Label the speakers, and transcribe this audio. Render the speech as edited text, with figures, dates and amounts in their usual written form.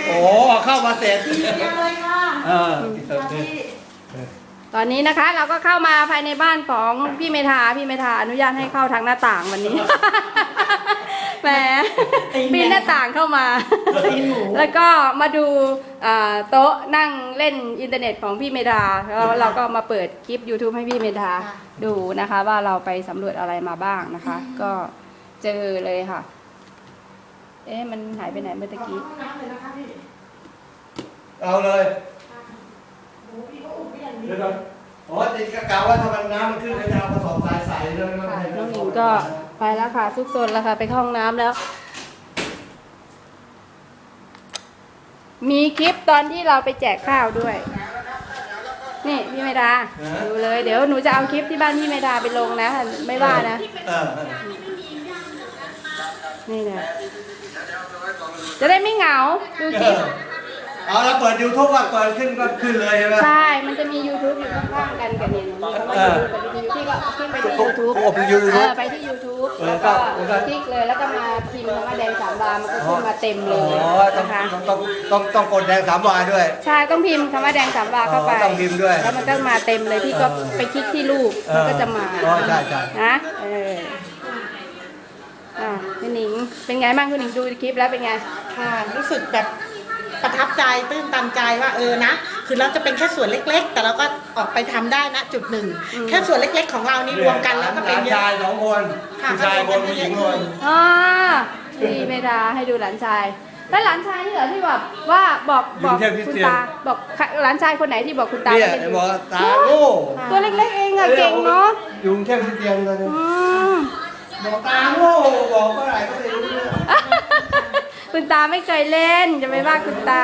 Speaker 1: โอ้เข้ามาเสร็จ
Speaker 2: ยังเลยค่ะ
Speaker 1: เออ
Speaker 3: ตอนนี้นะคะเราก็เข้ามาภายในบ้านของพี่เมธาอนุญาตให้เข้าทางหน้าต่างวันนี้ แหมปีนหน้าต่างเข้ามา แล้วก็มาดูโต๊ะนั่งเล่นอินเทอร์เน็ตของพี่เมธาแล้วเราก็มาเปิดคลิป YouTube ให้พี่เมธาดูนะคะ ว่าเราไปสำรวจอะไรมาบ้างนะคะ ก็เจอเลยค่ะ เอ๊ะมันหายไปไหนเมื่อตะกี้
Speaker 2: ห้องน้ำเลยนะคะพี่
Speaker 1: เอาเลย
Speaker 2: โอ้พี่ก็อุ่นไม่อย่างนี้
Speaker 1: เดี๋ยวก่อนอ๋อติดกะกะว่าถ้ามันน้ำมันขึ้นก็จะเอากระสอบทรายใส่เลย
Speaker 3: ค่ะน้องหญิงก็ไปแล้วค่ะซุกซนแล้วค่ะไปเข้าห้องน้ำแล้ว มีคลิปตอนที่เราไปแจกข้าวด้วย นี่พี่เมดาดูเลยเดี๋ยวหนูจะเอาคลิปที่บ้านพี่เมดาไปลงนะไม่ว่านะ
Speaker 1: เออ
Speaker 3: นี่เนี่ยจะได้ไม่เหงาดูคลิป
Speaker 1: เอาแล้วเปิด YouTube ว่าเปิดขึ้นก็ขึ้นเลยใช่ไหม
Speaker 3: ใช่มันจะมี YouTube อยู่ข้างๆกันกับเนี่ยมีคำว่า YouTube กับวิทยุพี่ก็คลิกไปที่ YouTube
Speaker 1: โอ้เป็น YouTube
Speaker 3: ไปที่ YouTube แล้วก็คลิกเลยแล้วก็มาพิมพ์คำว่าแดงสามวามันก็ขึ้นมาเต็มเล
Speaker 1: อ๋อย
Speaker 3: นะคะ
Speaker 1: ต้องกดแดง3 วาด้วย
Speaker 3: ใช่ต้องพิมพ์คำว่าแดงสามวาเข้าไป
Speaker 1: ต้องพิมพ์ด้วย
Speaker 3: แล้วมันก็มาเต็มเลยพี่ก็ไปคลิกที่รูปมันก็จะมา
Speaker 1: อ๋อใช่ใช่
Speaker 3: นะพี่หนิงเป็นไงบ้างคุณหนิงดูคลิปแล้วเป็นไง
Speaker 2: ค่ะรู้สึกแบบประทับใจตื้นตันใจว่านะคือเราจะเป็นแค่ส่วนเล็กๆ แต่เราก็ออกไปทำได้นะจุดหนึ่งแค่ส่วนเล็กๆของเรานี่รวมกันแล้วก็เป็นเย
Speaker 1: ชาย
Speaker 2: อะ
Speaker 1: 2 คนผู้ชายคนผู้หญิงคน
Speaker 3: อ๋อพี่เมดาให้ดูหลานชายแล้วหลานชายนี่เหรอที่แบบว่าบอกคุณตาบอกหลานชายคนไหนที่บอกคุณตา
Speaker 1: เนี่ย
Speaker 3: ว่าเป็น
Speaker 1: บอกตาโง่
Speaker 3: ตัวเล็กๆเองอะเก่งเนาะ
Speaker 1: ยุงแค่ที่เตียงเลย
Speaker 3: อืม
Speaker 1: บอกตาโง่บอกเมื่อไหร่ก็ไม่รู้เรื่อง
Speaker 3: คุณตาไม่เคยเล่นจะไปว่าคุณตา